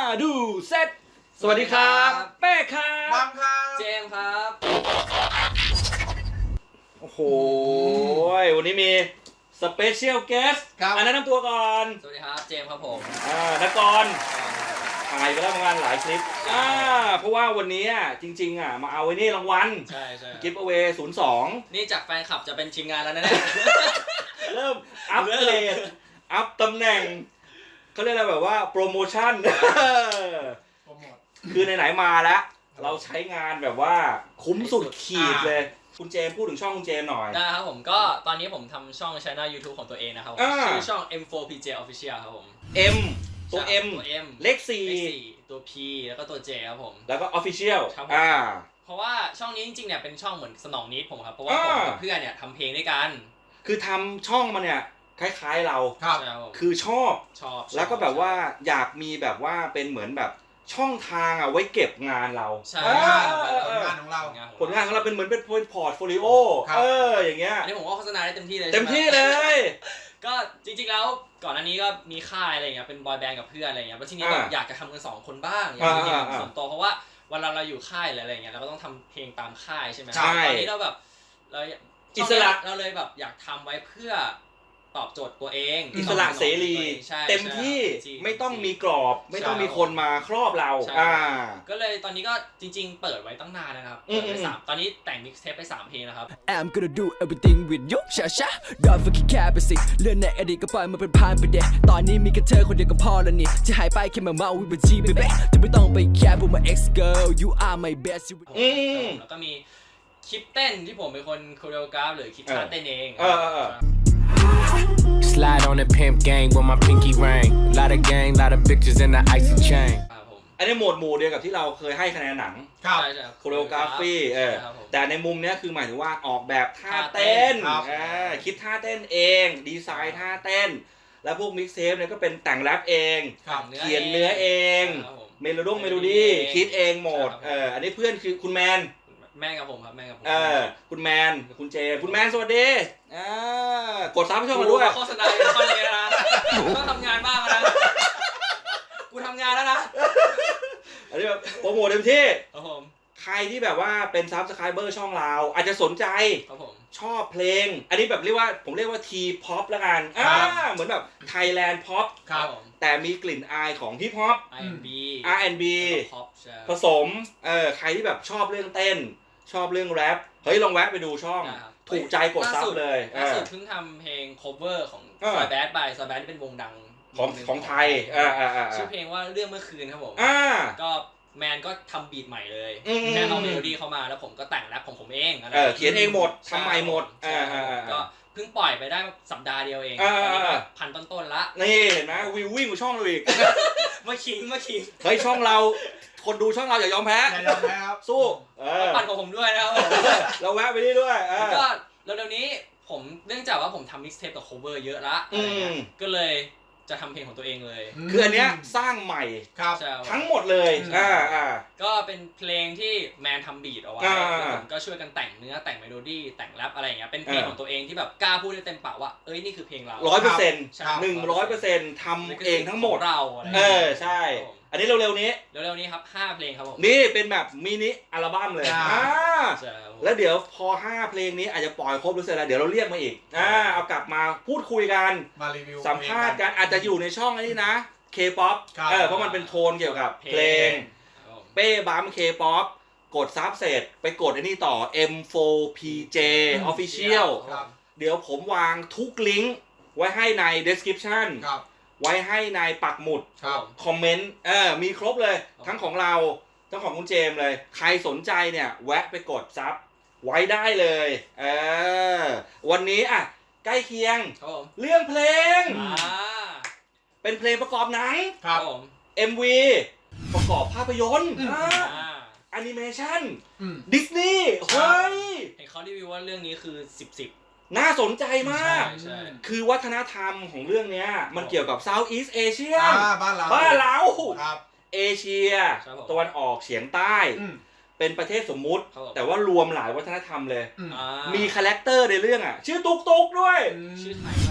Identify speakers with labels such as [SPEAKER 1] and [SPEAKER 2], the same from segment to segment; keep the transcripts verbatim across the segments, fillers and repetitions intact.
[SPEAKER 1] ดูเซตสวัสดีครับแป้ครับ
[SPEAKER 2] บังครับ
[SPEAKER 3] เจมส์ครับ
[SPEAKER 1] โอ้โหวันนี้มีสเปเชียลเกสต์
[SPEAKER 2] ครับ
[SPEAKER 1] อันนั้นนำตัวก่อน
[SPEAKER 3] สวัสดีครับเจมส์ครับผม
[SPEAKER 1] อ่านักกรถ่ายไปแล้วประมาณหลายคลิปอ่าเพราะว่าวันนี้อ่ะจริงๆอ่ะมาเอาไว้นี่รางวัล
[SPEAKER 3] ใช่ใช่
[SPEAKER 1] กิฟต์เอาเวย์ศูนย์สอง
[SPEAKER 3] นี่จากแฟนคลับจะเป็นทีมงานแล้วนะเนี่ย
[SPEAKER 1] เริ่มอัพเกรดอัพตำแหน่งเขาเรียกอะไรแบบว่าโปรโมชั่น
[SPEAKER 2] โปรโมท
[SPEAKER 1] คือไหนๆมาแล้ว เราใช้งานแบบว่าคุ้มสุดขีดเลย คุณเจมส์พูดถึงช่องคุณเจมส์หน่อย
[SPEAKER 3] ได้ครับผมก็ตอนนี้ผมทำช่อง channel YouTube ของตัวเองนะครับผม
[SPEAKER 1] อ่า
[SPEAKER 3] ชื่อช่อง เอ็ม โฟร์ พี เจ Official ครับผม
[SPEAKER 1] M ตัว M
[SPEAKER 3] ตัว M
[SPEAKER 1] เลขสี่
[SPEAKER 3] เลขสี่ตัว P แล้วก็ตัว J ครับผม
[SPEAKER 1] แล้วก็ Official
[SPEAKER 3] ครับผม
[SPEAKER 1] อ่า
[SPEAKER 3] เพราะว่าช่องนี้จริงๆเนี่ยเป็นช่องเหมือนสนองนิดผมครับเพราะว่าผม
[SPEAKER 1] อ่า
[SPEAKER 3] กับเพื่อนเนี่ยทำเพลงด้วยกัน
[SPEAKER 1] คือทำช่องมาเนี่ยคล้ายๆเรา
[SPEAKER 2] ครับ
[SPEAKER 3] ใช่ครับผม
[SPEAKER 1] คือชอบ
[SPEAKER 3] ชอบ
[SPEAKER 1] แล้วก็แบบว่าอยากมีแบบว่าเป็นเหมือนแบบช่องทางอ่ะไว้เก็บงานเรา
[SPEAKER 3] ใช่
[SPEAKER 1] เออเออ
[SPEAKER 2] ผ
[SPEAKER 1] เอ
[SPEAKER 2] ล
[SPEAKER 1] อ
[SPEAKER 2] งานของเรา
[SPEAKER 1] ผลงานของเราเป็นเหมือนเป็นพอร์ตโฟลิโอ
[SPEAKER 2] ครับ
[SPEAKER 1] เอออย่างเงี้ย
[SPEAKER 3] อันนี้ผมก็โฆษณาได้เต็มที่เลย
[SPEAKER 1] เต็ม
[SPEAKER 3] ใช่ไห
[SPEAKER 1] ที่เลย
[SPEAKER 3] ก็จริงๆแล้วก่อนหน้านี้ก็มีค่ายอะไรเงี้ยเป็นบอยแบนด์กับเพื่อนอะไรเงี้ยแล้วทีนี้แบบ
[SPEAKER 1] อ่า
[SPEAKER 3] อยากจะทำกันสองคนบ้างอยากมีเพลง
[SPEAKER 1] อ่าอ่า
[SPEAKER 3] ส่วนตัวเพราะว่าเวลาเราอยู่ค่ายหรืออะไรเงี้ยเราก็ต้องทำเพลงตามค่ายใช่ไหม
[SPEAKER 1] ใช่
[SPEAKER 3] ตอนนี้เราแบบเรา
[SPEAKER 1] อิสระ
[SPEAKER 3] เราเลยแบบอยากทำไว้เพื่อตอบโจทย์ตัวเอง
[SPEAKER 1] อิสระเสรี
[SPEAKER 3] ใช่
[SPEAKER 1] เต็มที่
[SPEAKER 3] ใช่
[SPEAKER 1] ไม่ต้องมีกรอบ ไม่ต้อง
[SPEAKER 3] ใช่
[SPEAKER 1] มีคนมาครอบเรา
[SPEAKER 3] ใช่
[SPEAKER 1] อ่า
[SPEAKER 3] ก็เลยตอนนี้ก็จริง ๆ เปิดไว้ตั้งนานนะครับ
[SPEAKER 1] อืม
[SPEAKER 3] เปิดไปสามตอนนี้แต่งมิกซ์เทปไปสามเพลงนะครับ
[SPEAKER 4] I'm gonna do everything with you ชาชา Don't forget แค่ไปสิเรื่องในอดีตก็ปล่อยมันเป็นผ่านไปเด็ตอนนี้มีแค่เธอคนเดียวก็พอแล้วนี่ที่หายไปแค่มาเมาวิบัติ baby จะไม่ต้องไปแคร์พวกมา ex girl you are my best
[SPEAKER 1] อืม
[SPEAKER 3] แล้วก็มีคลิปเต้นที่ผมเป็นคนโคเรียกราฟหรือคิดท่าเต้นเอง
[SPEAKER 1] เออเออเออ
[SPEAKER 4] Slide on the pimp gang with my pinky ring lot of gang lot of pictures in the icy chain
[SPEAKER 3] ครับผม
[SPEAKER 1] อันนี้โหมดหมู่เดียวกับที่เราเคยให้คะแนนหนัง
[SPEAKER 2] ครับ
[SPEAKER 3] ใช่ใช่
[SPEAKER 1] โคโรกราฟีเออ
[SPEAKER 3] ใช่ครับผม
[SPEAKER 1] แต่ในมุมเนี้ยคือหมายถึงว่าออกแบบท่า
[SPEAKER 3] ท่าเต้
[SPEAKER 1] เต้น
[SPEAKER 3] น
[SPEAKER 2] ครับ
[SPEAKER 1] อ่าคิดท่าเต้นเองดีไซน์ท่าเต้น แล้วพวกมิกซ์เทปเนี่ยก็เป็นแต่งแรปเอง
[SPEAKER 2] ครับ
[SPEAKER 1] เขียนเนื้อเอง
[SPEAKER 3] ครับผม
[SPEAKER 1] เมโลดงเมโลดี้คิดเองหมด
[SPEAKER 3] ใช่ครับ
[SPEAKER 1] เอออันนี้เพื่อนคือคุณแมน
[SPEAKER 3] แม่กับผมครับแม่กับผม
[SPEAKER 1] เออคุณแมนกับคุณเจมส์คุณแมนสวัสดีอ่ากดซับให้ช่องมาด้วย
[SPEAKER 3] โฆษณาอย่างคนเลยนะต้องทำงานบ้างนะกูทำงานแล้วนะ
[SPEAKER 1] อันนี้แบบโปรโมทเต็มที่
[SPEAKER 3] ครับผม
[SPEAKER 1] ใครที่แบบว่าเป็นซับสไครเบอร์ช่องเรา อาจจะสนใจ
[SPEAKER 3] ครับผม
[SPEAKER 1] ชอบเพลง อันนี้แบบเรียกว่าผมเรียกว่าทีพ็อปละกันอ่า
[SPEAKER 2] ครับ
[SPEAKER 1] เหมือนแบบไทยแลนด์พ็อป
[SPEAKER 2] ครับ
[SPEAKER 3] ผม
[SPEAKER 1] แต่มีกลิ่นอายของฮิปฮอป
[SPEAKER 3] ไอ เอ็น บี
[SPEAKER 1] อาร์ แอนด์ บี
[SPEAKER 3] พ็อปใช่
[SPEAKER 1] ผสมเออใครที่แบบชอบเรื่องเต้น ชอบเรื่องแรปเฮ้ยลองแวะไปดูช่อง
[SPEAKER 3] นะครับ
[SPEAKER 1] ถูกใจกดซับเลยเอ
[SPEAKER 3] ล่า
[SPEAKER 1] อ
[SPEAKER 3] สุดเพิ่งทำเพลง cover ของ
[SPEAKER 1] เออ
[SPEAKER 3] ซอยแบดบายซอยแบดที่เป็นวงดัง
[SPEAKER 1] ของ
[SPEAKER 3] วหนึ่
[SPEAKER 1] ของไทยอ่าอ่าอ่า
[SPEAKER 3] ชื่อเพลงว่าเรื่องเมื่อคืนครับผม
[SPEAKER 1] อ่า
[SPEAKER 3] ก็แมนก็ทำบีทใหม่เลย
[SPEAKER 1] อืม
[SPEAKER 3] แค่เอาเมโลดี้เข้ามาแล้วผมก็แต่งแรปของผมเองอะไร
[SPEAKER 1] เออเขียนเองหมด
[SPEAKER 3] ใช่
[SPEAKER 1] ทำใหม่หมด
[SPEAKER 3] ใช่
[SPEAKER 1] อ่าอ่าอ่า
[SPEAKER 3] ก็เพิ่งปล่อยไปได้สัปดาห์เดียวเอง
[SPEAKER 1] อ่า
[SPEAKER 3] ตอนนี้ก็
[SPEAKER 1] อ่า
[SPEAKER 3] พันต้นๆละ
[SPEAKER 1] นี่เห็นไหมวิววิ่งกว่าช่องเราอีก
[SPEAKER 3] มาขิงมาขิง
[SPEAKER 1] เฮ้ยช่องเรา คนดูช่องเราอย่ายอมแพ้
[SPEAKER 2] อย่ายอมแพ้ครับ
[SPEAKER 1] สู้เออ
[SPEAKER 3] ปั่นของผมด้วยนะครับผม
[SPEAKER 1] เราแวะไปนี่ด้วยเออ
[SPEAKER 3] ก็เร็วๆนี้ผมเนื่องจากว่าผมทำมิกซ์เทปกับโคเวอร์เยอะละอะไรเงี้ย
[SPEAKER 1] อืม
[SPEAKER 3] ก็เลยจะทำเพลงของตัวเองเลย
[SPEAKER 1] คืออันเนี้ยสร้างใหม่
[SPEAKER 2] ครับ
[SPEAKER 3] ใช่
[SPEAKER 1] ทั้งหมดเลย
[SPEAKER 2] อืม
[SPEAKER 1] อ่าอ่า
[SPEAKER 3] ก็เป็นเพลงที่แมนทำบีทเอาไว้
[SPEAKER 1] อ่า
[SPEAKER 3] แล้วผมก็ช่วยกันแต่งเนื้อแต่งเมโลดี้แต่งแรปอะไรอย่างเงี้ยเป็นเพลง
[SPEAKER 1] อ่า
[SPEAKER 3] ของตัวเงที่แบบกล้าพูดได้เต็มปากว่าเอ้ยนี่คือเพลงเรา
[SPEAKER 1] ร้อยเปอร์เซ็นต์
[SPEAKER 3] ใช่
[SPEAKER 1] หนึ่งร้อยเปอร์เซ็นต์ทำเองทั้งหมด
[SPEAKER 3] ขเราอะไร
[SPEAKER 1] เออใช่ อันนี้เร็วๆนี้
[SPEAKER 3] เร็วๆนี้ครับห้าเพลงครับผม
[SPEAKER 1] นี่เป็นแบบมินิอัลบั้มเลย
[SPEAKER 2] อ่า
[SPEAKER 1] อ่า
[SPEAKER 3] ใช่ครับผม
[SPEAKER 1] แล้วเดี๋ยวพอห้าเพลงนี้อาจจะปล่อยครบหรือเสร็จแล้วเดี๋ยวเราเรียกมาอีกอ่าเอากลับมาพูดคุยกัน
[SPEAKER 2] มารีวิว
[SPEAKER 1] สัมภาษณ์กันอาจจะอยู่ในช่องอันนี้นะ K-pop
[SPEAKER 2] ครับ
[SPEAKER 1] เออเพราะมันเป็นโทนเกี่ยวกับเพลง
[SPEAKER 3] ครับผม
[SPEAKER 1] เป้บัม K-pop กดซับเสร็จไปกดไอ้นี่ต่อ เอ็ม โฟร์ พี เจ Official
[SPEAKER 2] ครับ
[SPEAKER 1] เดี๋ยวผมวางทุกลิงก์ไว้ให้ใน description
[SPEAKER 2] ครับ
[SPEAKER 1] ไว้ให้ในปักหมุด
[SPEAKER 2] ครับ
[SPEAKER 1] คอมเมนต์เออมีครบเลย ทั้งของเรา ทั้งของคุณเจมส์เลย ใครสนใจเนี่ย แวะไปกดซับไว้ได้เลยเออวันนี้อ่ะ ใกล้เคียง
[SPEAKER 3] ครับผม
[SPEAKER 1] เรื่องเพลง
[SPEAKER 3] อ่า
[SPEAKER 1] เป็นเพลงประกอบหนัง
[SPEAKER 2] ครั
[SPEAKER 3] ครับ บผม
[SPEAKER 1] เอ็ม วี ประกอบภาพยนตร์
[SPEAKER 2] อืม
[SPEAKER 1] อ่า
[SPEAKER 3] อ่า
[SPEAKER 1] แอนิเมชั่น
[SPEAKER 2] อืม
[SPEAKER 1] ดิสนีย์เฮ้ย
[SPEAKER 3] เห็นเขารีวิวว่าเรื่องนี้คือสิบสิบ
[SPEAKER 1] น่าสนใจมาก
[SPEAKER 3] ใช่ใช่
[SPEAKER 1] คือวัฒนธรรมของเรื่องเนี้ยมันเกี่ยวกับ Southeast Asia
[SPEAKER 2] อ่าบ้านเรา
[SPEAKER 1] บ้านเรา
[SPEAKER 2] ครับ
[SPEAKER 1] เอเชีย
[SPEAKER 3] ครับผม
[SPEAKER 1] ตะวันออกเฉียงใต้
[SPEAKER 2] อืม
[SPEAKER 1] เป็นประเทศสมมุติ
[SPEAKER 3] ครับผม
[SPEAKER 1] แต่ว่ารวมหลายวัฒนธรรมเลย
[SPEAKER 2] อืม
[SPEAKER 3] อ่า
[SPEAKER 1] มีคาแรคเตอร์ในเรื่องอ่ะ ชื่อตุ๊กตุ๊กด้วย
[SPEAKER 3] ชื่อไทยมากเลยนะ
[SPEAKER 1] ไ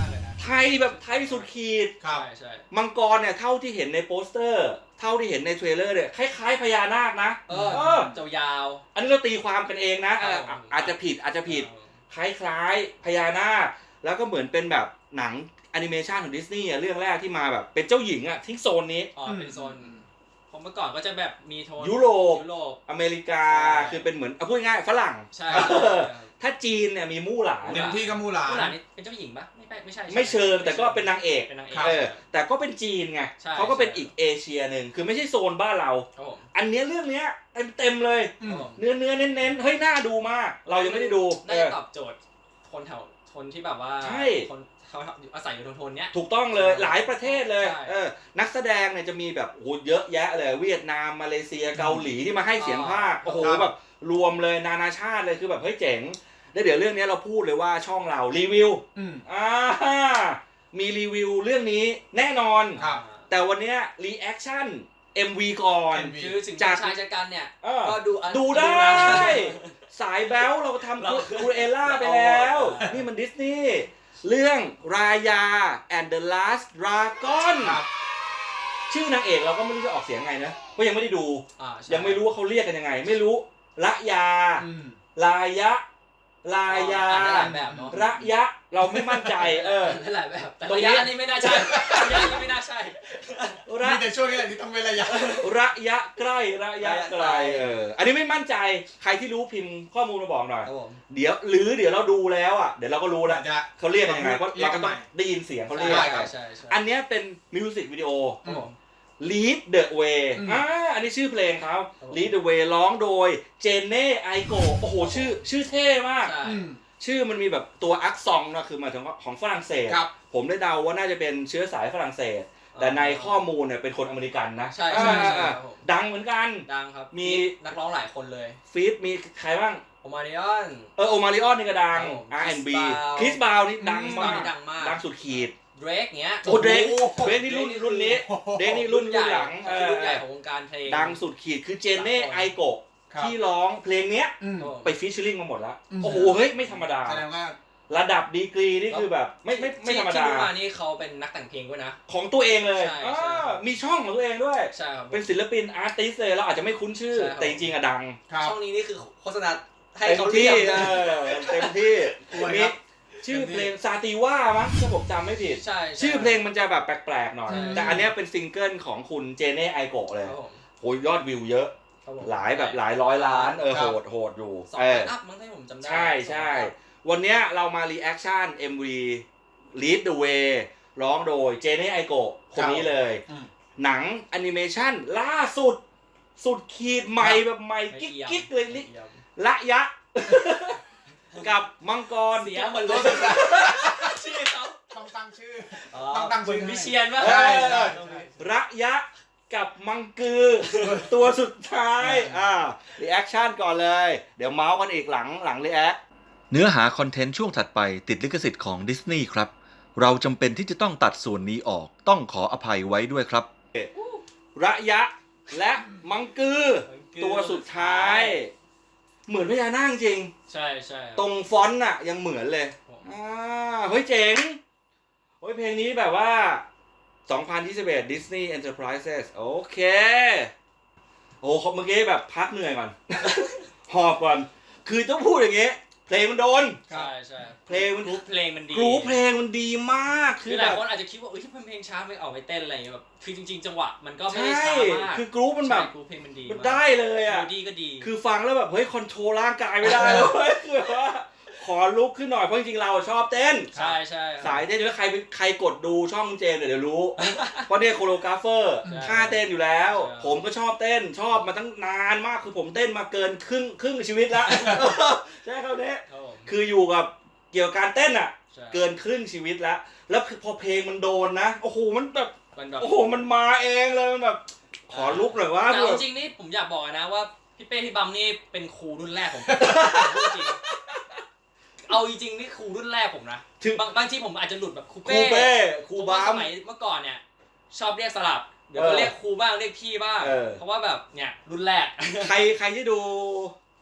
[SPEAKER 1] ไทยแบบไทยสุดขีด
[SPEAKER 2] ครับ
[SPEAKER 3] ใช่ใช่
[SPEAKER 1] มังกรเนี่ยเท่าที่เห็นในโปสเตอร์ เท่าที่เห็นในเทรลเลอร์เนี่ยคล้ายๆพญานาคนะ
[SPEAKER 3] เอ
[SPEAKER 1] เอ
[SPEAKER 3] อ
[SPEAKER 1] อ
[SPEAKER 3] เจ้ายาว
[SPEAKER 1] อันนี้เราตีความกันเองนะเออ
[SPEAKER 3] ครับ
[SPEAKER 1] อาจจะผิดอาจจะผิดคล้ายๆพญานาคแล้วก็เหมือนเป็นแบบหนังแอนิเมชันของดิสนีย์เรื่องแรกที่มาแบบเป็นเจ้าหญิงอ่ะทิ้งโซนนี้
[SPEAKER 3] อ๋อเป็นโซนผมเมื่อก่อนก็จะแบบมีโทน
[SPEAKER 1] ยุโรป
[SPEAKER 3] ยุโรป
[SPEAKER 1] อเมริกา
[SPEAKER 3] ใช่
[SPEAKER 1] คือเป็นเหมือนเอาพูดง่ายๆฝรั่ง
[SPEAKER 3] ใช่
[SPEAKER 1] เออ ถ้าจีนเนี่ยมีมู่หลาน
[SPEAKER 2] เต็มที่ก็มูหลา
[SPEAKER 3] ผู้หลาน
[SPEAKER 2] น
[SPEAKER 3] นี่เป็นเจ้าหญิงปะไม่ใช่ไม่ใช่
[SPEAKER 1] ไม่เชิงแต่ก็เป็นนางเอก
[SPEAKER 3] เป็นนางเอก
[SPEAKER 2] ครับ
[SPEAKER 1] เออแต่ก็เป็นจีนไง
[SPEAKER 3] ใช่
[SPEAKER 1] เขาก็เป็น
[SPEAKER 3] ใช่
[SPEAKER 1] อีกเอเชียหนึ่งคือไม่ใช่โซนบ้านเรา
[SPEAKER 3] ครับผม
[SPEAKER 1] อันเนี้ยเรื่องเนี้ยเต็มเต็มๆเลย
[SPEAKER 2] อื
[SPEAKER 3] ครับ
[SPEAKER 2] ม
[SPEAKER 3] ผม
[SPEAKER 1] เนื้อเนื้อเน้นเน้นๆเฮ้ยน่าดูมาก เรายังไม่ได้ดู
[SPEAKER 3] น่า
[SPEAKER 1] เอ
[SPEAKER 3] จะ
[SPEAKER 1] อ
[SPEAKER 3] ตอบโจทย์คนแถวคนที่แบบว่า
[SPEAKER 1] ใช่
[SPEAKER 3] คนเขาอาศัยอยู่โทนๆเนี้ย
[SPEAKER 1] ถูกต้องเลย
[SPEAKER 3] ใช่
[SPEAKER 1] หลายประเทศเลย
[SPEAKER 3] ใช่
[SPEAKER 1] เออนักแสดงเนี่ยจะมีแบบโอ้โหเยอะแยะเลยเวียดนามมาเลเซียเกาหลีที่มาให้เสียงภาค
[SPEAKER 3] อ๋อ
[SPEAKER 1] โอ้โห
[SPEAKER 2] ครับ
[SPEAKER 1] แบบรวมเลยนานาชาติเลยคือแบบเฮ้ยเจ๋งแล้วเดี๋ยวเรื่องนี้เราพูดเลยว่าช่องเรารีวิว
[SPEAKER 2] อืม
[SPEAKER 1] อ่ามีรีวิวเรื่องนี้แน่นอน
[SPEAKER 2] ครับ
[SPEAKER 1] แต่วันเนี้ยรีแอคชั่น เอ็ม วี ก่อน
[SPEAKER 2] เอ็มวี
[SPEAKER 3] คือถึง
[SPEAKER 1] จาก
[SPEAKER 3] ชายชะกันเนี่ย
[SPEAKER 1] เออ
[SPEAKER 3] ก็ดูอัน
[SPEAKER 1] ดูได้
[SPEAKER 3] นะ
[SPEAKER 1] สายแบ๊วเราทำ
[SPEAKER 3] เรา
[SPEAKER 1] คูเอล่าไปแล้ว
[SPEAKER 3] เรา
[SPEAKER 1] นี่มันดิสนีย์เรื่องรายา and the last dragon
[SPEAKER 2] ครับ
[SPEAKER 1] ชื่อนางเอกเราก็ไม่รู้จะออกเสียงไงนะเพราะยังไม่ได้ดู
[SPEAKER 3] อ่าใช่
[SPEAKER 1] ยังไม่รู้ว่าเขาเรียกกันยังไง ไม่รู้ระยา
[SPEAKER 2] อืม
[SPEAKER 1] ลายะ ลายา
[SPEAKER 3] อ่านได้หลายแบบเนาะ
[SPEAKER 1] ระยะเราไม่มั่นใจเออ
[SPEAKER 3] ได้หลายแบบแต่
[SPEAKER 1] ตรง
[SPEAKER 3] ระ
[SPEAKER 1] นี้
[SPEAKER 3] ยะอันนี้ไม่น่าใช่ระยะอันนี้ไม่น่าใช่
[SPEAKER 1] ระ
[SPEAKER 2] มีแต่ช่วงนี้แหละที่ต้องเว้นระยะ
[SPEAKER 1] ระยะใกล้ระยะไกล
[SPEAKER 3] ระยะไกล
[SPEAKER 1] เอออันนี้ไม่มั่นใจใครที่รู้พิมพ์ข้อมูลมาบอกหน่อย
[SPEAKER 3] ครับผม
[SPEAKER 1] เดี๋ยวหรือเดี๋ยวเราดูแล้วอ่ะเดี๋ยวเราก็รู้แล้ว
[SPEAKER 2] จะ
[SPEAKER 1] เขาเรียกกันยังไงเพราะ
[SPEAKER 2] เรีย
[SPEAKER 1] เรา
[SPEAKER 2] กกั
[SPEAKER 1] ก็
[SPEAKER 2] น
[SPEAKER 1] ต้
[SPEAKER 2] ใหม่
[SPEAKER 1] องได้ยินเสียงเขาเรียก
[SPEAKER 2] ใช่
[SPEAKER 3] ใช่ใช่ใช่
[SPEAKER 1] อันเนี้ยเป็นมิวสิกวิดีโอ
[SPEAKER 3] ครับผม
[SPEAKER 1] Lead the Way
[SPEAKER 2] อืม
[SPEAKER 1] อ่าอันนี้ชื่อเพลงเขา
[SPEAKER 3] ครับผม
[SPEAKER 1] Lead the Way ร้องโดยเจเน่ไอโกโอ้โหชื่อชื่อเท่มาก
[SPEAKER 3] ใช่
[SPEAKER 2] อืม
[SPEAKER 1] ชื่อมันมีแบบตัวอักซองนะคือหมายถึงว่าของฝรั่งเศส
[SPEAKER 2] ครับ
[SPEAKER 1] ผมได้เดาว่าน่าจะเป็นเชื้อสายฝรั่งเศส แต่ในข้อมูลเนี่ยเป็นคนอเมริกันนะ
[SPEAKER 3] ใช่ใช่ใช่
[SPEAKER 1] อ่า
[SPEAKER 3] ครับผม
[SPEAKER 1] ดังเหมือนกัน
[SPEAKER 3] ดังครับ
[SPEAKER 1] มี
[SPEAKER 3] นักร้องหลายคนเลย
[SPEAKER 1] ฟีดมีใครบ้าง
[SPEAKER 3] โอมาริออน
[SPEAKER 1] เออโอมาริออนนี่ก็ดัง
[SPEAKER 3] ครับผม
[SPEAKER 1] อาร์ แอนด์ บี
[SPEAKER 3] Chris Brown
[SPEAKER 1] คริสบาวนี่ดัง
[SPEAKER 3] Chris
[SPEAKER 1] มา
[SPEAKER 3] Brown
[SPEAKER 1] ก
[SPEAKER 3] นี่ดังมาก
[SPEAKER 1] ดังสุดขีด
[SPEAKER 3] เดรกเงี้ย
[SPEAKER 1] โอ้เดรก
[SPEAKER 2] โอ้โห
[SPEAKER 1] เดรกนี่รุ่นรุ่นนี้เดรกนี่รุ่น
[SPEAKER 3] ให
[SPEAKER 1] รุ่
[SPEAKER 3] ญ่
[SPEAKER 1] นหลังเอ
[SPEAKER 3] คือ
[SPEAKER 1] อ
[SPEAKER 3] รุ่นใหญ่ของวงการเพลง
[SPEAKER 1] ดังสุดขีดคือเจเน่
[SPEAKER 3] สามคน
[SPEAKER 1] ไอโกะ
[SPEAKER 2] ครับ
[SPEAKER 1] ที่ร้องเพลงเนี้ย
[SPEAKER 2] อืม
[SPEAKER 3] ครับผม
[SPEAKER 1] ไปฟิชเชอร์ลิงมาหมดแล้ว
[SPEAKER 2] อืม
[SPEAKER 1] โอ้โหเฮ้ยไม่ธรรมดา
[SPEAKER 2] แสดงว่า
[SPEAKER 1] ระดับดีกรีนี่คือแบบไม่ไม่ไม่ธรรม
[SPEAKER 3] ที่
[SPEAKER 1] ดา
[SPEAKER 3] ที่รู้มานี่เขาเป็นนักแต่งเพลงด้วยนะ
[SPEAKER 1] ของตัวเองเลย
[SPEAKER 3] ใช่
[SPEAKER 1] อ่า
[SPEAKER 3] ใช่
[SPEAKER 1] มีช่องของตัวเองด้วย
[SPEAKER 3] ใช่ครับ
[SPEAKER 1] เป็นศิลปินอาร์ติสเลยเราอาจจะไม่คุ้นชื่อ
[SPEAKER 3] ใช่ครับ
[SPEAKER 1] แต่จริงๆอะดัง
[SPEAKER 2] ครับ
[SPEAKER 3] ช่องนี้นี่คือโฆษณาให้
[SPEAKER 1] เต็ม
[SPEAKER 3] เขา
[SPEAKER 1] ที่
[SPEAKER 3] เรียก
[SPEAKER 1] เออเต็มที่
[SPEAKER 2] อวย
[SPEAKER 1] มี
[SPEAKER 2] ครับ
[SPEAKER 1] ชื่อเพลงซาติว่ามั้งถ้าผมจำไม่ผิด
[SPEAKER 3] ใช่ใ
[SPEAKER 1] ชื่อเพลงมันจะแบบแปลกๆหน่อย
[SPEAKER 3] ใช่
[SPEAKER 1] แต่อันเนี้ยเป็นซิงเกิลของคุณเจเน่ไอโกะเลย
[SPEAKER 3] ครับผม
[SPEAKER 1] โอ้ยยอดวิวเยอะ
[SPEAKER 3] ครับผม
[SPEAKER 1] หลายแบบหลายร้อยล้านเออ
[SPEAKER 2] ครั
[SPEAKER 1] โห
[SPEAKER 2] บ
[SPEAKER 1] ดโหดอยู่
[SPEAKER 3] สอง
[SPEAKER 1] เอ
[SPEAKER 3] ล้า
[SPEAKER 1] อน
[SPEAKER 3] อัพมั้งถ้าผมจำได้
[SPEAKER 1] ใช่ใช่
[SPEAKER 3] สองล้านอัพ
[SPEAKER 1] วันเนี้ยเรามารีแอคชั่น เอ็ม วี Lead the Way ร้องโดยเจเน่ไอโกะคนนี้เลย
[SPEAKER 2] อืม
[SPEAKER 1] หนังแอนิเมชันล่าสุด สุดขีดใหม่
[SPEAKER 2] ครับ
[SPEAKER 1] แบบใหม่
[SPEAKER 3] ไม่
[SPEAKER 1] กิ๊ก
[SPEAKER 3] เอี่ยม
[SPEAKER 1] กิ๊กเลย
[SPEAKER 3] ไม่
[SPEAKER 1] นี่
[SPEAKER 3] เอี่ยม
[SPEAKER 1] ละยะ กับมังกร
[SPEAKER 3] เสียหมดเลยชื่อเขา
[SPEAKER 2] ต้องตั้งชื่อ
[SPEAKER 3] อ๋อ
[SPEAKER 2] ต้องตั้งชื่อ
[SPEAKER 3] คุณวิเชียนป่ะ
[SPEAKER 1] ใช่
[SPEAKER 2] ใช่
[SPEAKER 1] ระยะกับมังกือ ตัวสุดท้ายอ่ารีแอคชั่นก่อนเลย เดี๋ยวเมาส์กันอีกหลังหลังรีแอคเนื้อหาคอนเทนต์ช่วงถัดไปติดลิขสิทธิ์ของดิสนีย์ครับ เราจำเป็นที่จะต้องตัดส่วนนี้ออกต้องขออภัยไว้ด้วยครับ ระยะและมังกือ ตัวสุดท้าย เหมือนพญานาคจริง
[SPEAKER 3] ใช่ใช่
[SPEAKER 1] ตรงฟอนต์น่ะยังเหมือนเลยอ่าเฮ้ยเจ๋งเฮ้ยเพลงนี้แบบว่าสองพันยี่สิบเอ็ด Disney Enterprises โอเค โอ้เมื่อกี้แบบพักเหนื่อยก่อน หอบก่อน คือต้องพูดอย่างงี้ เพลงมันโดน
[SPEAKER 3] ใช่ใช่
[SPEAKER 1] เพลงมัน
[SPEAKER 3] กรุ๊ปเพลงมันดี
[SPEAKER 1] กรูเพลงมันดีมาก
[SPEAKER 3] คื
[SPEAKER 1] คือ อ
[SPEAKER 3] ห
[SPEAKER 1] แบ
[SPEAKER 3] ลาย
[SPEAKER 1] บ
[SPEAKER 3] คนอาจจะคิดว่าเอ้ยที่มันเพลงช้าไม่ออกไปเต้นอะไรอย่างเงี้ยแบบคือจริงๆจังหวะมันก็ไม่
[SPEAKER 1] ใช่
[SPEAKER 3] ได้ช้ามาก
[SPEAKER 1] คือกรูมันแบบ
[SPEAKER 3] ใช่กรุ๊ปเพลงมันดี
[SPEAKER 1] มัน
[SPEAKER 3] มาก
[SPEAKER 1] ได้เลยอ่ะ
[SPEAKER 3] เมโลดี้ก็ดี
[SPEAKER 1] คือฟังแล้วแบบเฮ้ยคอนโทรลร่างกายไม่ได้เลยเว้ยคือแบบว่าขอลุกขึ้นหน่อยเพราะจริงๆเราชอบเต้น
[SPEAKER 3] ใช่ใช่
[SPEAKER 1] สายเต้นอยู่แล้วใครใครกดดูช่องเจมส์เดี๋ยวรู้ เพราะเนี่ยโคโรกราฟเฟอร์
[SPEAKER 3] ใช่
[SPEAKER 1] ท่าเต้นอยู่แล้ว
[SPEAKER 3] ใช่
[SPEAKER 1] ผมก็ชอบเต้นชอบมาตั้งนานมากคือผมเต้นมาเกินครึ่งครึ่งชีวิตแล้ว ใช่ครับเนี่ย
[SPEAKER 3] ครับผม
[SPEAKER 1] คืออยู่กับเกี่ยวกับการเต้นอ่ะ
[SPEAKER 3] ใช่
[SPEAKER 1] เกินครึ่งชีวิตแล้ว แล้วพอเพลงมันโดนนะโอ้โหมันแบบ
[SPEAKER 3] มันแบบ
[SPEAKER 1] โอ้โหมันมาเองเลยมันแบบขอลุกหน่อยว่า
[SPEAKER 3] แต่เอาจริงๆนี่ผมอยากบอกนะว่าพี่เป้พี่บัมนี่เป็นครูรุ่นแรกของผม พูดจริงเอาจริงๆนี่ครูรุ่นแรกผมนะ
[SPEAKER 1] ถึง
[SPEAKER 3] บางบางที่ผมอาจจะหลุดแบบครู
[SPEAKER 1] ครู
[SPEAKER 3] เป้
[SPEAKER 1] เป้ครู
[SPEAKER 3] ผม
[SPEAKER 1] บั
[SPEAKER 3] ว่าส
[SPEAKER 1] ม
[SPEAKER 3] มัยเมื่อก่อนเนี่ยชอบเรียกสลับเดี๋ยว
[SPEAKER 1] เอ
[SPEAKER 3] ก็
[SPEAKER 1] อ
[SPEAKER 3] เรียกครูบ้างเรียกพี่บ้าง
[SPEAKER 1] เออ
[SPEAKER 3] เพราะว่าแบบเนี่ยรุ่นแรก
[SPEAKER 1] ใครใครที่ดู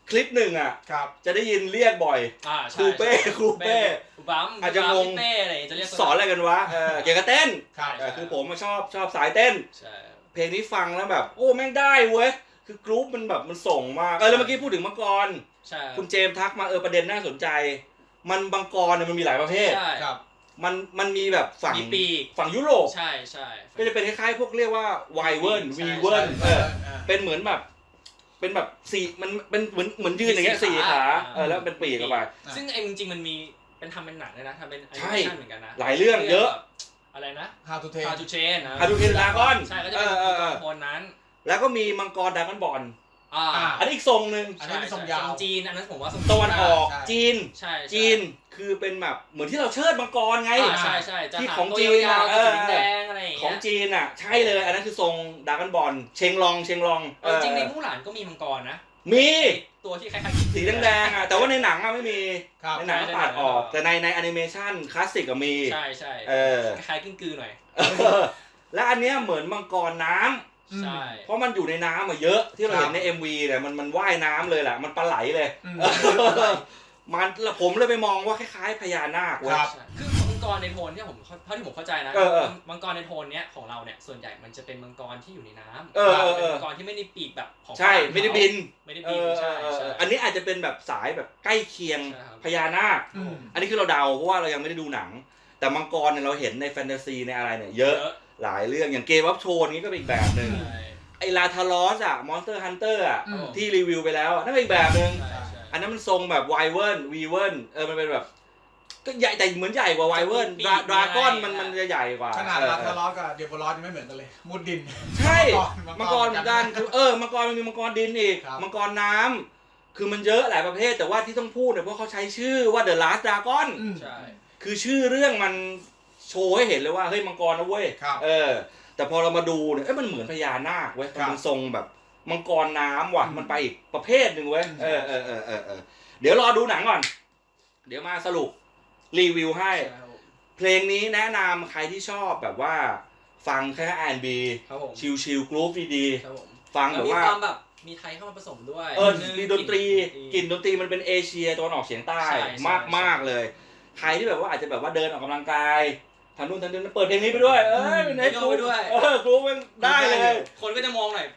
[SPEAKER 1] คลิปหนึ่งอ่ะ
[SPEAKER 2] ครับ
[SPEAKER 1] จะได้ยินเรียกบ่อย
[SPEAKER 3] อ่า
[SPEAKER 1] ครูเป้ครูเป้
[SPEAKER 3] ครูบัม
[SPEAKER 1] อาจจะงง
[SPEAKER 3] พี่เป้อะไรอย่างเงี้ยจะเรียก
[SPEAKER 1] สอนอะไรกันวะเออเกี่ยวกับเต้น
[SPEAKER 2] ครับ
[SPEAKER 1] เออคือผมมาชอบชอบสายเต้น
[SPEAKER 3] ใช่
[SPEAKER 1] เพลงนี้ฟังแล้วแบบโอ้แม่งได้เว้ยคือกรุ๊ปมันแบบมันส่งมากเออแล้วเมื่อกี้พูดถึงมังกร
[SPEAKER 3] ใช่
[SPEAKER 1] คุณเจมส์ทักมาเออประเด็นน่าสนใจ มันมังกรเนี่ยมันมีหลายประเภท
[SPEAKER 3] ใช่
[SPEAKER 2] ครับ
[SPEAKER 1] มันมันมีแบบฝั่ง
[SPEAKER 3] มีปีก
[SPEAKER 1] ฝั่งยุโรป
[SPEAKER 3] ใช่ใช่
[SPEAKER 1] ก็จะเป็นคล้ายๆพวกเรียกว่าไวเวิร์น
[SPEAKER 3] ใช่
[SPEAKER 1] วีเวิร์น
[SPEAKER 2] ใช่
[SPEAKER 1] เออ
[SPEAKER 2] ใช่
[SPEAKER 1] เป็นเหมือนแบบ เป็นแบบสี่มันเป็นเหมือนเหมือนยืนอย่างเงี้ย
[SPEAKER 3] มีสี่
[SPEAKER 1] สี่
[SPEAKER 3] ขา
[SPEAKER 1] ขาเออแล้วเป็นปีกเข้าไป
[SPEAKER 3] ซึ่งไอ้จริงๆมันมีเป็นทำเป็นหนังเลยนะทำเป็นแอนิ
[SPEAKER 1] ใช่
[SPEAKER 3] เมชั่นเหมือนกันนะ
[SPEAKER 1] หลายเรื่องเยอะ
[SPEAKER 3] อะไรนะ
[SPEAKER 2] How to Train
[SPEAKER 3] How to Train นะ
[SPEAKER 1] How to Train Dragon
[SPEAKER 3] ใช่ก็จะเป็น
[SPEAKER 1] เออเออเออ
[SPEAKER 3] คนนั้น
[SPEAKER 1] แล้วก็มีมังกรดราก้อนบอล
[SPEAKER 3] อ่า
[SPEAKER 2] อ่า
[SPEAKER 1] อันนี้อีกทรงหนึ่ง
[SPEAKER 2] อันนี้เป็นทรงยาว
[SPEAKER 3] จีนอันนั้นผมว่าทรง
[SPEAKER 1] ตะวันออก
[SPEAKER 2] ใช่
[SPEAKER 1] จีน
[SPEAKER 3] ใช่ใช่
[SPEAKER 1] จีนคือเป็นแบบเหมือนที่เราเชิดมังกรไง
[SPEAKER 3] อ่าใช่ใช่จะ
[SPEAKER 1] ที่
[SPEAKER 3] หา
[SPEAKER 1] ของ
[SPEAKER 3] ตัว
[SPEAKER 1] จีน
[SPEAKER 3] ยาว
[SPEAKER 1] อ่ะ
[SPEAKER 3] ๆสี
[SPEAKER 1] เออ
[SPEAKER 3] แดงอะไรอย่าง
[SPEAKER 1] ขอ
[SPEAKER 3] เงี้
[SPEAKER 1] ง
[SPEAKER 3] ย
[SPEAKER 1] จีนอ่ะใช่เลย อันนั้นคือทรงดราก้อนบอลเชงลองเชงลอง
[SPEAKER 3] เออจริงในมู่หลานก็มีมังกรนะ
[SPEAKER 1] มี
[SPEAKER 3] ตัวที่คล้ายๆ
[SPEAKER 1] สีแดงๆอ่ะแต่ว่าในหนังอ่ะไม่มี
[SPEAKER 2] ครับ
[SPEAKER 1] ในหนัง
[SPEAKER 3] ใช่
[SPEAKER 1] ตัดออก
[SPEAKER 3] ใช่
[SPEAKER 1] แต่ในในแอนิเมชันคลาสสิกก็มี
[SPEAKER 3] ใช่ใช่
[SPEAKER 1] เออ
[SPEAKER 3] คล้ายๆกิ้งกือหน่อย
[SPEAKER 1] เออและอันเนี้ยเหมือนมังกรน้ำ
[SPEAKER 3] ใช่
[SPEAKER 1] เพราะมันอยู่ในน้ำอะเยอะที่เรา
[SPEAKER 2] ครับ
[SPEAKER 1] เห็นใน เอ็ม วี เนี่ยมันมันว่ายน้ำเลยแหละมันปลาไหลเลย
[SPEAKER 2] อืม
[SPEAKER 1] มันแล้วผมเลยไปมองว่าคล้ายๆพญานาคเว้ย
[SPEAKER 2] ครับ
[SPEAKER 3] ใช่คือมังกรในโทนที่ผมเท่าที่ผมเข้าใจนะ
[SPEAKER 1] เออเออ
[SPEAKER 3] มังกรในโทนเนี้ยของเราเนี่ยส่วนใหญ่มันจะเป็นมังกรที่อยู่ในน้ำ
[SPEAKER 1] เออเออเออ
[SPEAKER 3] เป็นมังกรที่ไม่ได้ปีกแบบของ
[SPEAKER 1] ใช่
[SPEAKER 3] ฝรั่ง
[SPEAKER 1] ไม่ได้บิน
[SPEAKER 3] ไม่ได้
[SPEAKER 1] เอ
[SPEAKER 3] บิน
[SPEAKER 1] อเอ
[SPEAKER 3] ใช่
[SPEAKER 1] อเออ
[SPEAKER 3] ใช่
[SPEAKER 1] อันนี้อาจจะเป็นแบบสายแบบใกล้เคียง
[SPEAKER 3] ใช่ครับ
[SPEAKER 1] พญานาค
[SPEAKER 2] อืม
[SPEAKER 1] อันนี้คือเราเดาเพราะว่าเรายังไม่ได้ดูหนัง แต่มังกรเนี่ยเราเห็นในแฟนตาซีในอะไรเนี่ยเยอะหลายเรื่องอย่างเกมวัฟโชนนี้ก็เป็นอีกแบบหนึ่ง
[SPEAKER 3] ใช่
[SPEAKER 1] ไอลาทารอสอะมอนสเตอร์ฮันเตอร์อะ
[SPEAKER 2] อืม
[SPEAKER 1] ที่รีวิวไปแล้วอะนั่นเป็นอีกแบบหนึ่ง
[SPEAKER 3] ใช่ใช่
[SPEAKER 1] อันนั้นมันทรงแบบไวเวิร์นวีเวิร์นเออมันเป็นแบบก็ใหญ่แต่เหมือนใหญ่กว่าไวเวิร์นดราดราก้อนมันมันจะใหญ่กว่า
[SPEAKER 2] ขนาด
[SPEAKER 1] เออ
[SPEAKER 2] ลาทารอสกับเดโบรอสยังไม่เหมือนกันเลย มุดดิน
[SPEAKER 1] ใช่
[SPEAKER 2] มั
[SPEAKER 1] มัง
[SPEAKER 2] ง
[SPEAKER 1] ก
[SPEAKER 2] ก
[SPEAKER 1] ร
[SPEAKER 2] ร
[SPEAKER 1] เหมือนกันคือเออมังกรมันมีมังกรดินอีก
[SPEAKER 2] ครับ
[SPEAKER 1] มังกรน้ำคือมันเยอะหลายประเภทแต่ว่าที่ต้องพูดเนี่ยเพราะเขาใช้ชื่อว่า The Last Dragon
[SPEAKER 2] อืม
[SPEAKER 3] ใช่
[SPEAKER 1] คือชื่อเรื่องมันโชว์ให้เห็นเลยว่าเฮ้ยมังกรนะเว้ย
[SPEAKER 2] ครับ
[SPEAKER 1] เออ แต่พอเรามาดูเนี่ยเอ้ยมันเหมือนพญานาคเว้ย
[SPEAKER 2] ครับ
[SPEAKER 1] มันทรงแบบมังกรน้ำว่ะ
[SPEAKER 2] อืม
[SPEAKER 1] มันไปอีกประเภทหนึ่งเว้ย
[SPEAKER 2] อืม
[SPEAKER 1] เออเออเออเออเออเดี๋ยวรอดูหนังก่อน เดี๋ยวมาสรุปรีวิวให้
[SPEAKER 3] ใช่ครับผม
[SPEAKER 1] เพลงนี้แนะนำใครที่ชอบแบบว่าฟังแค่ อาร์ แอนด์ บี
[SPEAKER 3] ครับผม
[SPEAKER 1] ชิลชิลกรุ๊ปดี
[SPEAKER 3] ครับผม
[SPEAKER 1] ๆฟัง
[SPEAKER 3] แล้
[SPEAKER 1] แบ
[SPEAKER 3] ว
[SPEAKER 1] บ
[SPEAKER 3] มี
[SPEAKER 1] ว่า
[SPEAKER 3] ความแบบมีไทยเข้ามาผสมด้วย
[SPEAKER 1] เออ
[SPEAKER 3] นึง
[SPEAKER 1] มีดนตรีก
[SPEAKER 3] ก
[SPEAKER 1] ลิ่
[SPEAKER 3] ลิ่
[SPEAKER 1] นดนตรีมันเป็นเอเชียตะวันออกเฉียงใต้
[SPEAKER 3] ใช่ใช่
[SPEAKER 1] มากมากๆเลย ใครที่แบบว่าอาจจะแบบว่าเดินออกกำลังกายทำนู่นทำนี่เปิดเพลงนี้ไปด้วย เอ้ย
[SPEAKER 2] อืม
[SPEAKER 1] เน็ตกรุ๊ปเออกรุ๊ปมันได้เลย
[SPEAKER 3] คนก็จะมองหน่อย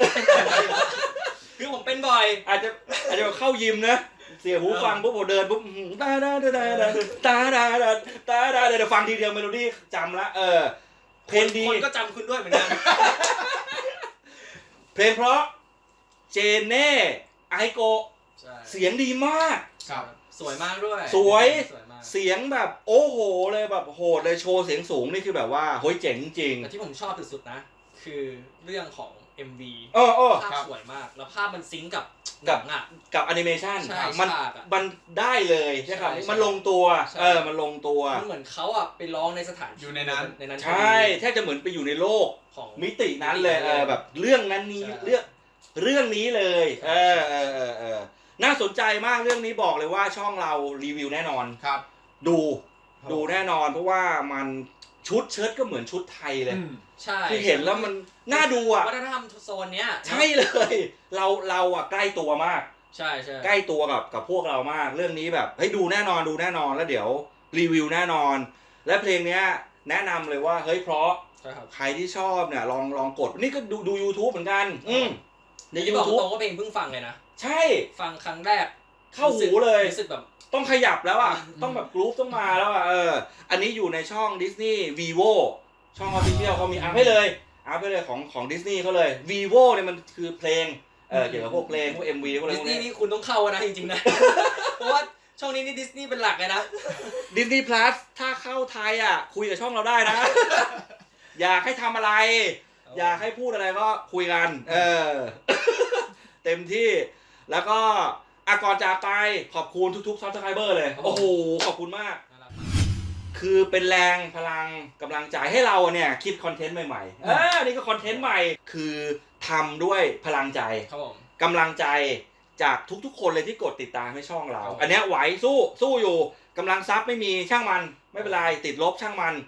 [SPEAKER 3] คือผมเป็นบ่อย
[SPEAKER 1] อาจจะอาจจะแบบเข้ายิมนะ เสียหูฟังปุ๊บผมเดินปุ๊บอื้อหือตาดาดาดาดาตาดาดาตาดาเดี๋ยวฟังทีเดียวเมโลดี้จำละเออเพลงดี
[SPEAKER 3] คนก็จำคุณด้วยเหมือนกัน
[SPEAKER 1] เพลงเพราะเจเน่ไอโกะ
[SPEAKER 3] ใช่
[SPEAKER 1] เสียงดีมาก
[SPEAKER 2] ครับ
[SPEAKER 3] สวยมากด้วย
[SPEAKER 1] สวย
[SPEAKER 3] สวยมาก
[SPEAKER 1] เสียงแบบโอ้โหเลยแบบโหดเลยโชว์เสียงสูงนี่คือแบบว่าเฮ้ยเจ๋งจริง
[SPEAKER 3] แต่ที่ผมชอบสุดๆนะ คือเรื่องของ เอ็ม วี
[SPEAKER 1] เออเออ
[SPEAKER 3] ภาพ
[SPEAKER 2] ครับ
[SPEAKER 3] สวยมาก แล้วภาพมันซิงก์กับ
[SPEAKER 1] กั
[SPEAKER 3] ห
[SPEAKER 1] บ
[SPEAKER 3] นังอ่ะ
[SPEAKER 1] กับแอนิเมชัน
[SPEAKER 3] ใช่
[SPEAKER 1] มัน
[SPEAKER 3] ฉากอะ
[SPEAKER 1] มันได้เลยใช่ครับ
[SPEAKER 3] ใช่
[SPEAKER 1] มันลงตัว
[SPEAKER 3] ใช่
[SPEAKER 1] เออมันลงตัว
[SPEAKER 3] มันเหมือนเขาอ่ะไปร้องในสถานที่
[SPEAKER 2] อยู่ในนั้น
[SPEAKER 3] ในนั้น
[SPEAKER 1] ใช่แทบจะเหมือนไปอยู่ในโลก
[SPEAKER 3] ของ
[SPEAKER 1] มิตินั้นเลยเออแบบเรื่องนั้นนี้
[SPEAKER 3] ใช่
[SPEAKER 1] เรื่องเรื่องนี้เลย
[SPEAKER 3] ใช่
[SPEAKER 1] เออเออเออเออน่าสนใจมากเรื่องนี้บอกเลยว่าช่องเรารีวิวแน่นอน
[SPEAKER 2] ครับ
[SPEAKER 1] ดู
[SPEAKER 2] ครับ
[SPEAKER 1] ดูแน่นอนเพราะว่ามันชุดเชิ้ตก็เหมือนชุดไทยเลย
[SPEAKER 2] อืม
[SPEAKER 3] ใช่
[SPEAKER 1] คือเห็นแล้วมันน่าดูอ่ะ
[SPEAKER 3] วัฒนธรรมโซนเนี้ย
[SPEAKER 1] ใช่เลย เราเราอ่ะใกล้ตัวมาก
[SPEAKER 3] ใช่ใช่
[SPEAKER 1] ใกล้ตัวกับกับพวกเรามากเรื่องนี้แบบเฮ้ยดูแน่นอนดูแน่นอนแล้วเดี๋ยวรีวิวแน่นอน และเพลงเนี้ยแนะนำเลยว่าเฮ้ยเพราะ
[SPEAKER 3] ใช่ครับ
[SPEAKER 1] ใครที่ชอบเนี่ยลองลองกดนี่ก็ดูดู YouTube เหมือนกัน อืมใน
[SPEAKER 3] นี่บอก
[SPEAKER 1] YouTube
[SPEAKER 3] ตรงว่าเพลงเพิ่งฟังเลยนะ
[SPEAKER 1] ใช่
[SPEAKER 3] ฟังครั้งแรก
[SPEAKER 1] เข้าหูเลย
[SPEAKER 3] รู้สึกแบบ
[SPEAKER 1] ต้องขยับแล้วอ่ะ
[SPEAKER 3] อืม
[SPEAKER 1] ต้องแบบกรุ๊ปต้องมาแล้วอ่ะเอออันนี้อยู่ในช่อง Disney Vivo ช่อง Official เขามีอัพให้เลยอัพให้เลยของของดิสนีย์เขาเลย Vivo เนี่ยมันคือเพลงเออเกี่ยวกับพวกเพลงพวก เอ็ม วี พวกอะไร
[SPEAKER 3] ดิ
[SPEAKER 1] พ
[SPEAKER 3] ส
[SPEAKER 1] วก
[SPEAKER 3] นีย์
[SPEAKER 1] นี้
[SPEAKER 3] นี่คุณต้องเข้านะจริงๆนะ เพราะว่าช่องนี้นี่ดิสนีย์เป็นหลักเลยนะ
[SPEAKER 1] Disney Plus ถ้าเข้าไทยอ่ะคุยกับช่องเราได้นะ อยากให้ทำอะไร อยากให้พูดอะไรก็คุยกัน เออ เต็มที่ แล้วก็อะก่อนจากไปขอบคุณทุกๆ Subscriber เลย
[SPEAKER 3] ครับผม
[SPEAKER 1] โอ้โห ขอบคุณมาก
[SPEAKER 3] น่ารักมาก
[SPEAKER 1] คือเป็นแรงพลังกำลังใจให้เราเนี่ย คิดคอนเทนต์ใหม่ๆ เออนี่ก็คอนเทนต์ใหม่ คือทำด้วยพลังใจ
[SPEAKER 3] ครับผม
[SPEAKER 1] กำลังใจจากทุกๆ คนเลยที่กดติดตามให้ช่องเรา
[SPEAKER 3] ครับ
[SPEAKER 1] อันเนี้ยไหวสู้สู้อยู่กำลังซับไม่มีช่างมันไม่เป็นไรติดลบช่างมัน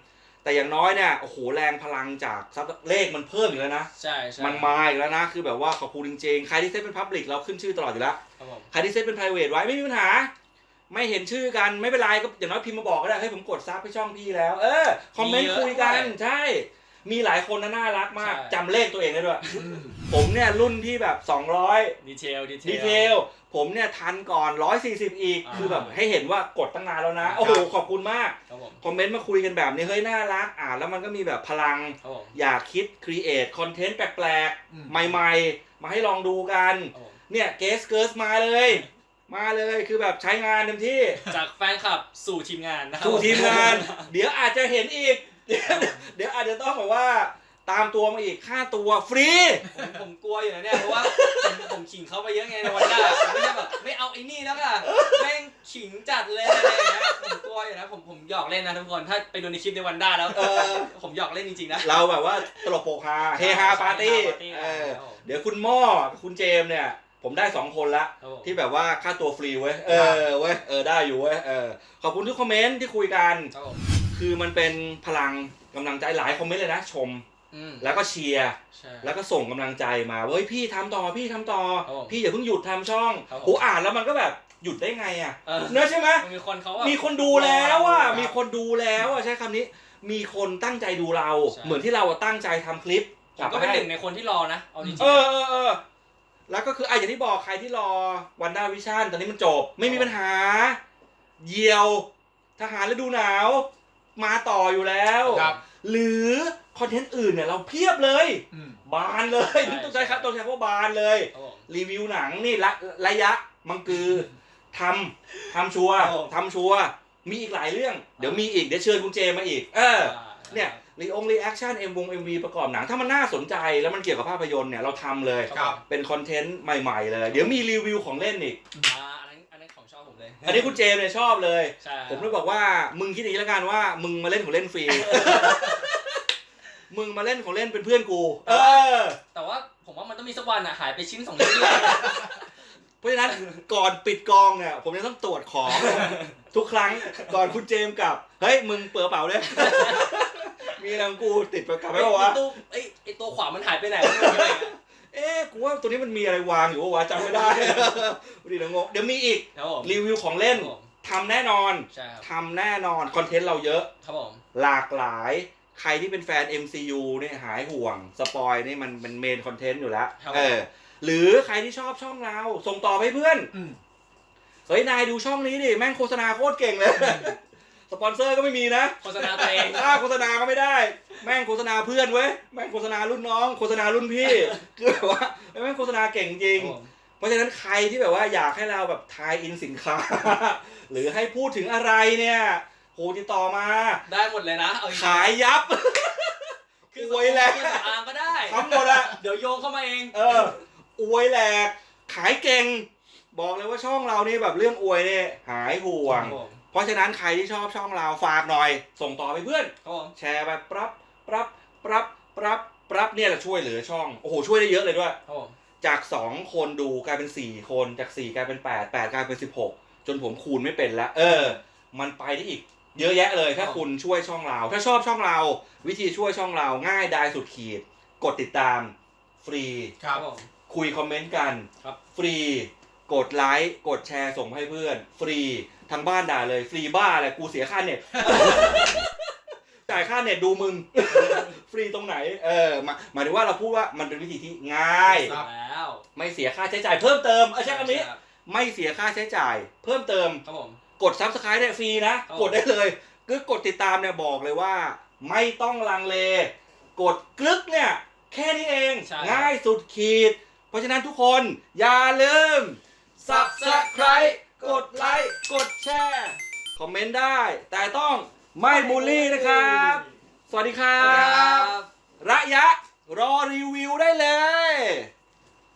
[SPEAKER 1] แต่อย่างน้อยเนี่ยโอ้โหแรงพลังจากซับเลขมันเพิ่มอีกแล้วนะ
[SPEAKER 3] ใช่ใช่
[SPEAKER 1] มันมาอีกแล้วนะคือแบบว่าขอบคุณจริงๆใครที่เซตเป็น Public เราขึ้นชื่อตลอดอยู่แล้ว
[SPEAKER 3] ครับผม
[SPEAKER 1] ใครที่เซตเป็น private ไว้ไม่มีปัญหา ไม่เห็นชื่อกันไม่เป็นไรก็อย่างน้อยพิมพ์มาบอกก็ได้ให้ผมกดซับให้ช่องพี่แล้ว เออคอมเมนต์คุยกันใช่มีหลายคนนะน่ารักมากจำเลขตัวเองได้ด้วยผมเนี่ยรุ่นที่แบบสองร้อย
[SPEAKER 3] ดีเทลดีเทล
[SPEAKER 1] ดีเทลผมเนี่ยทันก่อนหนึ่งร้อยสี่สิบอีก
[SPEAKER 3] อ่า
[SPEAKER 1] คือแบบให้เห็นว่ากดตั้งนานแล้วนะโอ้โหขอบคุณมาก
[SPEAKER 3] ครับผม
[SPEAKER 1] คอมเมนต์มาคุยกันแบบนี้เฮ้ยน่ารักอ่านแล้วมันก็มีแบบพลัง
[SPEAKER 3] ครับผม
[SPEAKER 1] อยากคิดครีเอทคอนเทนต์แปลก
[SPEAKER 2] อืม
[SPEAKER 1] ๆ ใหม่ๆ มาให้ลองดูกัน
[SPEAKER 3] ครับผม
[SPEAKER 1] เนี่ยเกสเกิร์สมาเลย มาเลยคือแบบใช้งานเต็มที่
[SPEAKER 3] จากแฟนคลับสู่ทีมงานนะครับ
[SPEAKER 1] สู่ทีมงาน เดี๋ยวอาจจะเห็นอีก เดี๋ยวเดี๋ยวอาจจะต้องแบบว่าตามตัวมาอีกค่าตัวฟรี
[SPEAKER 3] ผมผมกลัวอยู่นะเนี่ยเพราะว่าผมผมขิงเขาไปเยอะไงในวันหน้าผมไม่ใช่แบบไม่เอาไอ้นี่แล้วค่ะแม่งขิงจัดเลยอะไรอย่างเงี้ยผมกลัวอยู่นะผมผมหยอกเล่นนะทุกคนถ้าไปดูในคลิปในวันด้าแล้ว
[SPEAKER 1] เออ
[SPEAKER 3] ผมหยอกเล่นจริงๆนะ
[SPEAKER 1] เราแบบว่าตลกโปกฮาเฮฮาปาร์ตี้
[SPEAKER 3] เฮฮาปาร์ตี้
[SPEAKER 1] เออ
[SPEAKER 3] ครับผม
[SPEAKER 1] เดี๋ยวคุณหม้อกับคุณเจมส์เนี่ย ผมได้สองคนละ
[SPEAKER 3] ครับผม
[SPEAKER 1] ที่แบบว่าค่าตัวฟรีเว้ยเออเว้ยเออได้อยู่เว้ยเออขอบคุณทุกคอมเมนต์ที่คุยกัน
[SPEAKER 3] ครับผม
[SPEAKER 1] คือมันเป็นพลังกำลังใจหลายคอมเมนต์เลยนะชม
[SPEAKER 3] อืม
[SPEAKER 1] แล้วก็เชียร์
[SPEAKER 3] ใช่
[SPEAKER 1] แล้วก็ส่งกำลังใจมาเว้ยพี่ทำต่อพี่ทำต่อ
[SPEAKER 3] ครับผม
[SPEAKER 1] พี่อย่าเพิ่งหยุดทำช่อง
[SPEAKER 3] ครับผม
[SPEAKER 1] โหอ่านแล้วมันก็แบบหยุดได้ไงอ่ะ
[SPEAKER 3] เออ
[SPEAKER 1] เนอะใช่ไหม
[SPEAKER 3] มันมีคนเขาแบบ
[SPEAKER 1] มีคนดูแล้วอ่ะ
[SPEAKER 3] ครับ
[SPEAKER 1] มีคนดูแล้วอ่ะใช้คำนี้ มีคนตั้งใจดูเรา
[SPEAKER 3] ใช่
[SPEAKER 1] เหมือนที่เราอะตั้งใจทำคลิป
[SPEAKER 3] ผมก็เป็นหนึ่งในคนที่รอนะเอาจริงๆ
[SPEAKER 1] เออเออเออแล้วก็คือไอ้อย่างที่บอกใครที่รอวันด้าวิชั่นตอนนี้มันจบ ไม่มีปัญหาเหยี่ยวทหารฤดูหนาว มาต่ออยู่แล้ว
[SPEAKER 2] ครับ
[SPEAKER 1] หรือคอนเทนต์อื่นเนี่ยเราเพียบเลย
[SPEAKER 2] อืม
[SPEAKER 1] บานเลย
[SPEAKER 3] ใช่
[SPEAKER 1] ต้องใช้ครับต้องใช้คำว่าบานเลย
[SPEAKER 3] ครับผม
[SPEAKER 1] รีวิวหนังนี่ระระยะมังกือทำทำชัวร์
[SPEAKER 3] ครับผม
[SPEAKER 1] ทำชัวร์มีอีกหลายเรื่อง เดี๋ยวมีอีกเดี๋ยวเชิญคุณเจมาอีก เออ เนี่ยรีองรีแอคชั่นเอ็มวงเอ็มวีประกอบหนัง ถ้ามันน่าสนใจแล้วมันเกี่ยวกับภาพยนตร์เนี่ยเราทำเลย
[SPEAKER 2] ครับ
[SPEAKER 1] เป็นคอนเทนต์ใหม่ๆเลย เดี๋ยวมีรีวิวของเล่นอีก
[SPEAKER 3] อ่าอันนั้นอันนั้นของชอบผมเลย
[SPEAKER 1] อันนี้คุณเจมเนี่ยชอบเลย
[SPEAKER 3] ใช่
[SPEAKER 1] ผมเลยบอกว่ามึงคิดอย่างนี้แล้วกันว่ามึงมาเล่นของเล่นฟรี มึงมาเล่นของเล่นเป็นเพื่อนกู เออ
[SPEAKER 3] แต่ว่าผมว่ามันต้องมีสักวันอ่ะหายไปชิ้นสองชิ้นเลย
[SPEAKER 1] เพราะฉะนั้นก่อนปิดกองเนี่ยผมจะต้องตรวจของ ทุกครั้งก่อนคุณเจมส์กลับ เฮ้ยมึงเปิดกระเป๋าด้วย มีอะไรของกูติดไปกลับไป
[SPEAKER 3] ไอ้
[SPEAKER 1] ป่าวะ
[SPEAKER 3] ตู้ไอ้ไอ้ตัวขวามันหายไปไหนไม่รู้เลย
[SPEAKER 1] เอ๊ะกูว่าตัวนี้มันมีอะไรวางอยู่วะจำไม่ได้ ดีนะงงเดี๋ยวมีอีก
[SPEAKER 3] ครับผม
[SPEAKER 1] รีวิวของเล่น
[SPEAKER 3] ครับผม
[SPEAKER 1] ทำแน่นอน
[SPEAKER 3] ใช่ครับ
[SPEAKER 1] ทำแน่นอนคอนเทนต์เราเยอะ
[SPEAKER 3] ครับผม
[SPEAKER 1] หลากหลายใครที่เป็นแฟน เอ็ม ซี ยู เนี่ยหายห่วงสปอยนี่มันเป็นเมนคอนเทนต์อยู่แล้ว
[SPEAKER 3] ครับ
[SPEAKER 1] เออหรือใครที่ชอบช่องเราส่งต่อไปให้เพื่อน
[SPEAKER 2] อืม
[SPEAKER 1] เฮ้ยนายดูช่องนี้ดิแม่งโฆษณาโคตรเก่งเลย สปอนเซอร์ก็ไม่มีนะ
[SPEAKER 3] โฆษณาตัวเอง
[SPEAKER 1] ค่าโฆษณาก็ไม่ได้ แม่งโฆษณาเพื่อนเว้ยแม่งโฆษณารุ่นน้องโฆษณารุ่นพี่ คือแบบว่าแม่งโฆษณาเก่งจริง
[SPEAKER 3] ครับผม
[SPEAKER 1] เพราะฉะนั้นใครที่แบบว่าอยากให้เราแบบทายอินสินค้า หรือให้พูดถึงอะไรเนี่ยโหติดต่อมา
[SPEAKER 3] ได้หมดเลยนะเอาจริงๆ
[SPEAKER 1] ขายยับ
[SPEAKER 3] คือ
[SPEAKER 1] อวยแหละ
[SPEAKER 3] เครื่องสำอางก็ได้
[SPEAKER 1] ทั้งหมดอะ
[SPEAKER 3] เดี๋ยวโยงเข้ามาเอง
[SPEAKER 1] เอออวยแหลกขายเก่ง บอกเลยว่าช่องเรานี่แบบเรื่องอวยเนี่ยหายห่วง
[SPEAKER 3] ครับผม
[SPEAKER 1] เพราะฉะนั้นใครที่ชอบช่องเราฝากหน่อย ส่งต่อไปเพื่อน
[SPEAKER 3] ครับผม
[SPEAKER 1] แชร์ไปปรับปรับปรับปรับปรับเนี่ยแหละช่วยเหลือช่องโอ้โหช่วยได้เยอะเลยด้วย
[SPEAKER 3] ครับผม
[SPEAKER 1] จากสองคนดูกลายเป็นสี่คนจากสี่กลายเป็นแปดแปดกลายเป็นสิบหกจนผมคูณไม่เป็นแล้ว เออ มันไปได้อีก เยอะแยะเลยถ้าคุณช่วยช่องเรา ถ้าชอบช่องเรา วิธีช่วยช่องเราง่ายดายสุดขีด กดติดตามฟรี
[SPEAKER 2] ครับ
[SPEAKER 3] ผม
[SPEAKER 1] คุยคอมเมนต์กัน
[SPEAKER 3] ครับ
[SPEAKER 1] ฟรี กดไลค์กดแชร์ส่งให้เพื่อน ฟรีทางบ้านด่าเลยฟรีบ้าอะไรกูเสียค่าเน็ต จ่ายค่าเน็ตดูมึง ฟรีตรงไหน เออหมายหมายถึงว่าเราพูดว่ามันเป็นวิธีที่ง่าย
[SPEAKER 2] ครับ
[SPEAKER 3] แล้ว
[SPEAKER 1] ไม่เสียค่าใช้จ่ายเพิ่มเติมเออใช่คำนี้ ไม่เสียค่าใช้จ่าย เพิ่มเติม
[SPEAKER 3] ครับผม
[SPEAKER 1] กด ซับสไครบ์ ได้ฟรีนะ
[SPEAKER 3] ครับ
[SPEAKER 1] กดได้เลยคือกดติดตามเนี่ยบอกเลยว่า ไม่ต้องลังเล กดกลึกเนี่ยแค่นี้เอง
[SPEAKER 3] ใช่
[SPEAKER 1] ง่ายสุดขีด เพราะฉะนั้นทุกคนอย่าลืม ซับสไครบ์ กดไลค์กดแชร์คอมเมนต์ได้ แต่ต้องไม่บูลลี่นะครับ สวัสดีครั
[SPEAKER 3] ครับ บ
[SPEAKER 1] ระยะรอรีวิวได้เลย